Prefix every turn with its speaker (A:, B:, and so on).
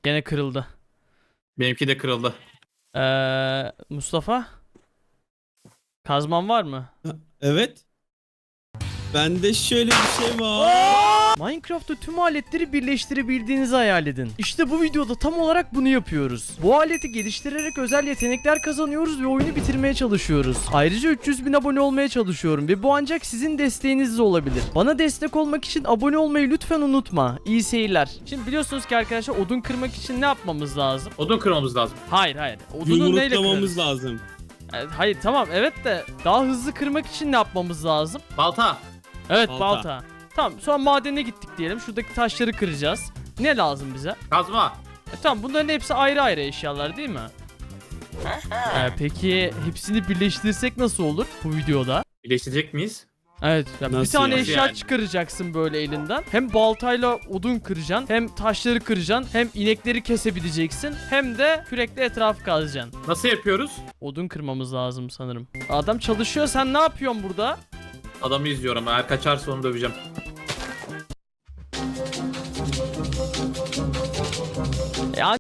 A: Gene kırıldı.
B: Benimki de kırıldı.
A: Mustafa? Kazman var mı?
C: Evet. Bende şöyle bir şey var.
A: Minecraft'ta tüm aletleri birleştirebildiğinizi hayal edin. İşte bu videoda tam olarak bunu yapıyoruz. Bu aleti geliştirerek özel yetenekler kazanıyoruz ve oyunu bitirmeye çalışıyoruz. Ayrıca 300 bin abone olmaya çalışıyorum ve bu ancak sizin desteğinizle olabilir. Bana destek olmak için abone olmayı lütfen unutma. İyi seyirler. Şimdi biliyorsunuz ki arkadaşlar odun kırmak için ne yapmamız lazım?
B: Odun kırmamız lazım.
A: Hayır. Odunu neyle
C: Yumruklamamız
A: kırarız?
C: lazım.
A: Hayır tamam evet de daha hızlı kırmak için ne yapmamız lazım?
B: Balta.
A: Evet
C: Balta.
A: balta. Tamam sonra madene gittik diyelim. Şuradaki taşları kıracağız. Ne lazım bize?
B: Kazma.
A: Tamam bunların hepsi ayrı ayrı eşyalar değil mi? Peki hepsini birleştirirsek nasıl olur bu videoda?
B: Birleştirecek miyiz?
A: Evet ya bir
C: Nasıl
A: tane
C: yani?
A: eşya
B: Yani?
A: çıkaracaksın böyle elinden. Hem baltayla odun kıracaksın, hem taşları kıracaksın, hem inekleri kesebileceksin, hem de kürekle etrafı kazacaksın.
B: Nasıl yapıyoruz?
A: Odun kırmamız lazım sanırım. Adam çalışıyor, sen ne yapıyorsun burada?
B: Adamı izliyorum. Eğer kaçarsa onu döveceğim.